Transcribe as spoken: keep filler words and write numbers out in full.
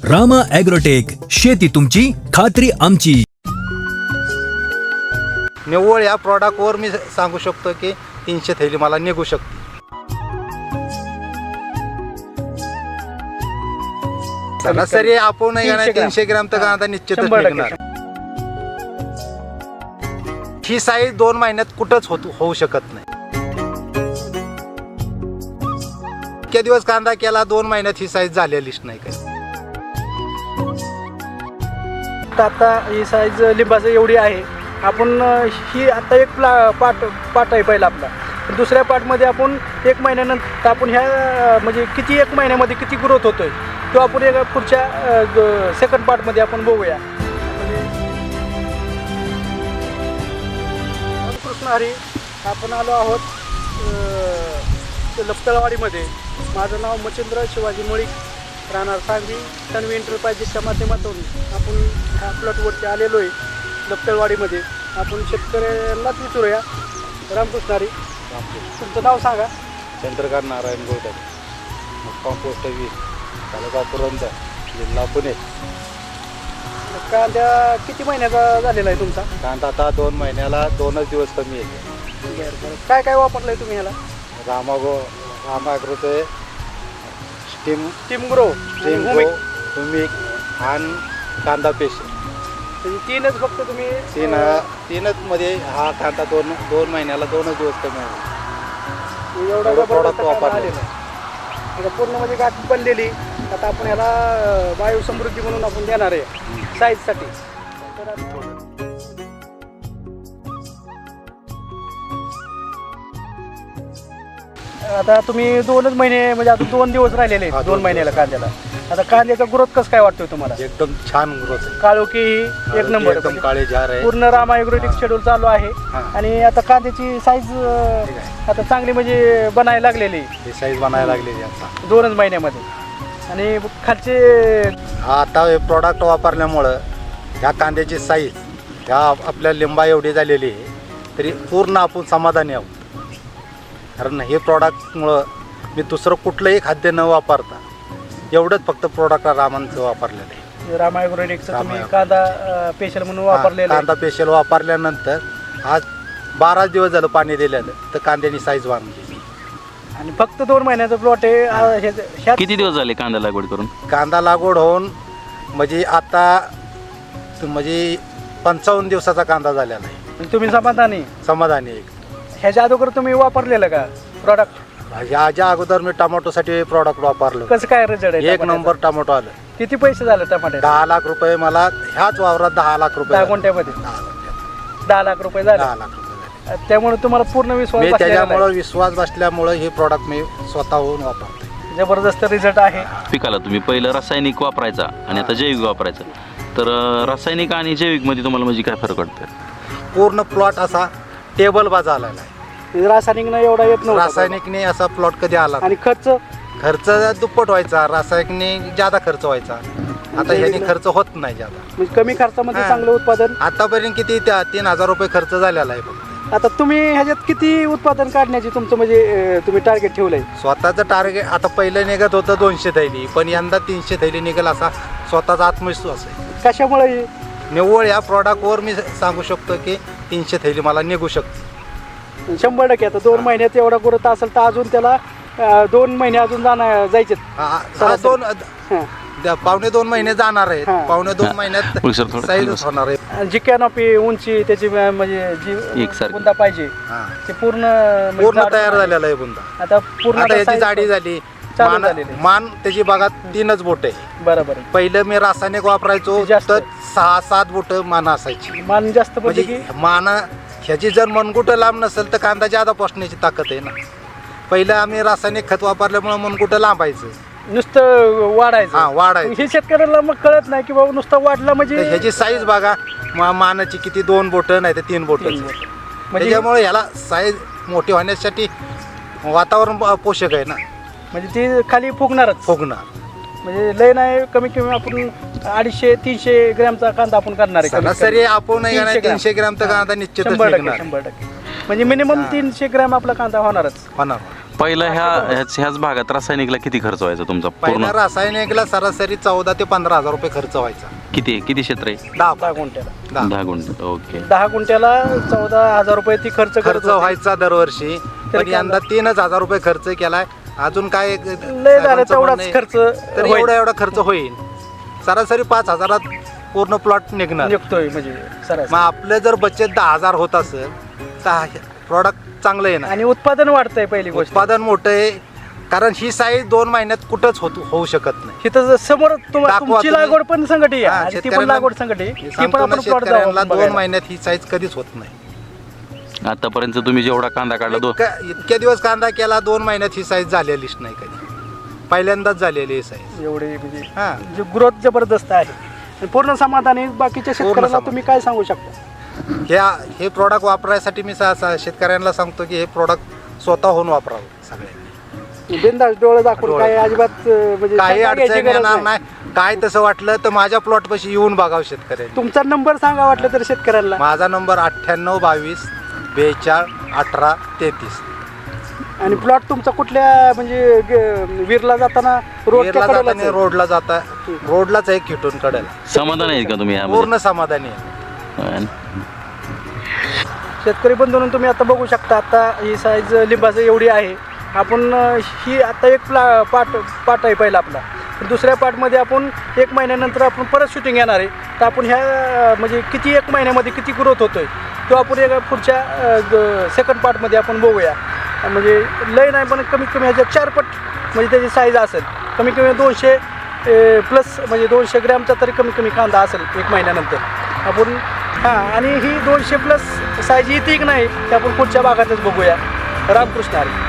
Rama agrotech, शेती तुमची खात्री आमची. निव्वळ या प्रॉडक्टवर मी सांगू शकतो की तीनशे थैली मला निघू शकते. सरासरी आपण तीनशे ग्रॅम तर कांदा निश्चितच निघणार. ही साईज दोन महिन्यात कुठंच होत होऊ शकत नाही. इतक्या दिवस कांदा केला, दोन महिन्यात ही साईज झालेलीच नाही. काही आता ही साईज लिंबाचं एवढी आहे. आपण ही आता एक प्ला पाट पाट आहे पहिला आपला. दुसऱ्या पार्टमध्ये आपण एक महिन्यानंतर आपण ह्या म्हणजे किती एक महिन्यामध्ये किती ग्रोथ होतोय तो आपण एक पुढच्या सेकंड पार्टमध्ये आपण बघूया. कृष्ण हरी, आपण आलो आहोत लपतळवाडीमध्ये. माझं नाव मच्छिंद्र शिवाजी मुळीक, राहणार सांगवी. तन्वी एंटरप्राइजेसच्या माध्यमातून आपण ह्या प्लॉटवरती आलेलो आहे लपतळवाडीमध्ये. आपण शेतकऱ्यांनाच विचारूया. रामकृष्ण हरी, तुमचं नाव सांगा. चंद्रकांत नारायण गोळकर, मुक्काम पोस्ट वीस, तालुका पुरंदर, जिल्हा पुणे. कांदा किती महिन्याचा झालेला आहे तुमचा? कांदा आता दोन महिन्याला दोनच दिवस कमी येते. बरं बरं. काय काय वापरलं आहे तुम्ही ह्याला? रामा गो रामा ॲग्रोचे steam team grow, steam go, humic आणि कांदा पेस्ट, तीनच फक्त तुम्ही तीन तीनच मध्ये हा कांदा दोन दोन महिन्याला दोनच दिवस कमी आहे. एवढा प्रॉडक्ट वापरले. आता पूर्ण म्हणजे गाठ बनलेली. आता आपण ह्याला वायू समृद्धी म्हणून आपण देणार आहे साईजसाठी. आता तुम्ही दोनच महिने म्हणजे आता दोन दिवस राहिलेले आहेत दोन महिन्याला कांद्याला. आता कांद्याचा ग्रोथ कसं काय वाटतोय तुम्हाला? एकदम छान ग्रोथ आहे. काळोखी एक नंबर, एकदम काळे झार आहे. पूर्ण रामा ॲग्रोटेक शेड्यूल चालू आहे. आणि आता कांद्याची साईज आता चांगली म्हणजे बनायला लागलेली. ही साईज बनायला लागलेली आता दोनच महिन्यामध्ये. आणि खालचे आता हे प्रॉडक्ट वापरल्यामुळं ह्या कांद्याची साईज ह्या आपल्या लिंबा एवढी झालेली आहे तरी पूर्ण आपण समाधानी आहोत. कारण हे प्रॉडक्टमुळं मी दुसरं कुठलंही खाद्य न वापरता एवढंच फक्त प्रॉडक्ट रामांचं वापरलेलं आहे. रामा ॲग्रोटेकचं तुम्ही कांदा स्पेशल म्हणून वापरलेलं. कांदा स्पेशल वापरल्यानंतर आज बारा दिवस झालं पाणी दिलेलं तर कांद्याची साईज वाढली. आणि फक्त दोन महिन्याचं प्लॉट आहे. किती दिवस झाले कांदा लागवड करून? कांदा लागवड होऊन म्हणजे आता म्हणजे पंचावन्न दिवसाचा कांदा झालेला आहे. तुम्ही समाधानी समाधानी आहे. ह्याच्या अगोदर तुम्ही वापरलेलं का प्रॉडक्ट? ह्याच्या अगोदर मी टमाटोसाठी प्रॉडक्ट वापरलं. कसं काय रिझल्ट आहे? एक नंबर टमाटो आलं. किती पैसे झाले टमाटे? दहा लाख रुपये मला ह्याच वावरात दहा लाख रुपये दहा गुंठ्यामध्ये दहा लाख रुपये झाले. दहा लाख रुपये झाले. त्यामुळे तुम्हाला पूर्ण विश्वास मी बसलेला त्याच्यामुळे आहे. विश्वास बसल्यामुळे हे प्रॉडक्ट मी स्वतःहून वापरतो. जबरदस्त रिझल्ट आहे. पिकाला तुम्ही पहिलं रासायनिक वापरायचा आणि आता जैविक वापरायचा, तर रासायनिक आणि जैविक मध्ये तुम्हाला म्हणजे काय फरक वाटतं? पूर्ण प्लॉट असा टेबल बाजा आलेला आहे. रासायनिकनं एवढा येत नव्हता. रासायनिकने असा प्लॉट कधी आला आणि खर्च खर्च दुप्पट व्हायचा. रासायनिकने ज्यादा खर्च व्हायचा. आता ह्याने खर्च होत नाही ज्यादा. म्हणजे कमी खर्चामध्ये चांगलं उत्पादन. आतापर्यंत किती त्या तीन हजार रुपये खर्च झालेला आहे फक्त. आता तुम्ही ह्याच्यात किती उत्पादन काढण्याची तुमचं म्हणजे तुम्ही टार्गेट ठेवलंय? स्वतःचं टार्गेट आता पहिलं निघत होतं दोनशे थैली, पण यंदा तीनशे थैली निघेल असा स्वतःचा आत्मविश्वास आहे. कशामुळे? निव्वळ या प्रॉडक्टवर मी सांगू शकतो की तीनशे थैली मला निघू शकते. शंभर टक्के. आता दोन महिन्यात एवढा ग्रोथ असेल तर अजून त्याला दोन महिने अजून जाणार जायचे. दोन पावणे दोन महिने जाणार आहेत. पावणे दोन महिन्यात साईज होणार आहे. जी कॅनॉपी उंची त्याची म्हणजे जी बुंदा पाहिजे ते पूर्ण पूर्ण तयार झालेला आहे बुंदा. आता पूर्ण याची जाडी झाली. मान त्याची बागात तीनच बोट आहे. बरोबर. पहिलं मी रासायनिक वापरायचो तर सहा सात बोट मान असायची. मान जास्त म्हणजे मान ह्याची जर मनगुटं लांब नसेल तर कांदा ज्यादा पोसण्याची ताकद आहे ना. पहिलं आम्ही रासायनिक खत वापरल्यामुळे मनगुटं लांबायचं, नुसतं वाढायचं. हा वाढायचं. हे शेतकऱ्याला मग कळत नाही की बाबा नुसतं वाढलं म्हणजे. ह्याची साईज बघा मानाची किती, दोन बोट नाही तर तीन बोट. त्याच्यामुळे ह्याला साईज मोठी होण्यासाठी वातावरण पोषक आहे ना. म्हणजे ती खाली फुगणारच. फुगणार म्हणजे लय नाही, कमी कमी आपण अडीचशे तीनशे ग्रॅमचा कांदा आपण करणार आहे. सरासरी आपण तीनशे ग्रॅमचा कांदा निश्चितच शंभर टक्के शंभर टक्के म्हणजे मिनिमम तीनशे ग्रॅम आपला कांदा होणारच होणार. पहिला ह्या ह्याच ह्याच भागात रासायनिकला किती खर्च व्हायचा तुमचा पहिल्या पूर्ण रासायनिकला सरासरी चौदा ते पंधरा हजार रुपये खर्च व्हायचा. किती किती क्षेत्र आहे? दहा दहा गुंठ्याला दहा दहा गुंठ ओके. दहा गुंठ्याला चौदा हजार रुपये ती खर्च करत खर्च होते. व्हायचा दरवर्षी, पण कांदा- यंदा तीनच हजार रुपये खर्च केलाय. अजून काय लय झालं साहेबांचं तेवढाच म्हणणं आहे, खर्च तर होईल. एवढा एवढा खर्च होईल. सरासरी पाच हजारात पूर्ण प्लॉट निघणार. निघतोय म्हणजे सरासरी. मग आपलं जर बचत दहा हजार होत असेल तर प्रॉडक्ट चांगलं येणार. आणि उत्पादन वाढतंय पहिली गोष्ट. उत्पादन मोठं आहे, कारण ही साईज दोन महिन्यात कुठंच होत होऊ शकत नाही. इथं समोर तुम- दाखवा तुमची तुम्ही. लागवड पण संकटी आहे हा, आणि ती पण शेतकऱ्यांना- लागवड संकटी आहे. मी ती पण सांगतो ना, आपण प्लॉट शेतकऱ्यांना दोन जाऊ महिन्यात ही साईज कधीच होत नाही. आतापर्यंत तुम्ही जेवढा कांदा काढला दो इतक्या इतक्या दिवस कांदा केला, दोन महिन्यात ही साईज झालेलीच नाही कधी. पहिल्यांदाच झालेली ही साईज. एवढी म्हणजे हा. जी ग्रोथ जबरदस्त आहे. आणि पूर्ण समाधानी बाकीच्या शेतकऱ्याला समाधान. तुम्ही काय सांगू शकता? ह्या हे प्रॉडक्ट वापरायसाठी मी सा- सा- शेतकऱ्यांना सांगतो की हे प्रॉडक्ट स्वतःहून वापरावं सगळ्यांनी. बिनधास्त डोळे दाखवून डोळे. काय अजिबात अं, म्हणजे काही शंका घ्यायची अडचण गरज येणार नाही. नाही. काय तसं वाटलं तर माझ्या प्लॉट पाशी येऊन बघावं शेतकऱ्यांनी. तुमचा नंबर सांगा वाटलं तर शेतकऱ्यांना. माझा नंबर अठ्ठ्याण्णव बावीस बेचाळ अठरा तेहतीस. आणि प्लॉट तुमचा कुठल्या म्हणजे ग- वीरला जाताना रोडच्या वीरला कडेलाच जाताना आहे. रोडला जाता रोडलाच आहे खिटून कडेला. समाधान आहेत का तुम्ही यामध्ये? पूर्ण समाधानी आहे. शेतकरी बंधूंनो, तुम्ही आता बघू शकता, आता ही साईज लिंबाचं एवढी आहे. आपण अं, ही आता एक प्ला पाट पाट आहे पहिला आपला. दुसऱ्या पार्टमध्ये आपण एक महिन्यानंतर आपण परत शूटिंग येणार आहे. तर आपण ह्या अं, म्हणजे किती एक महिन्यामध्ये किती ग्रोथ होतोय तो आपण एका पुढच्या सेकंड पार्टमध्ये आपण बघूया. म्हणजे लय नाही पण कमीत कमी ह्याच्या चार पट म्हणजे त्याची साईज असेल. कमी कमी दोनशे प्लस म्हणजे दोनशे ग्रॅमचा तरी कमी कमी कांदा असेल एक महिन्यानंतर आपण. हां, आणि ही दोनशे प्लस साईज येते की नाही ते आपण पुढच्या भागातच बघूया. रामकृष्ण हरी.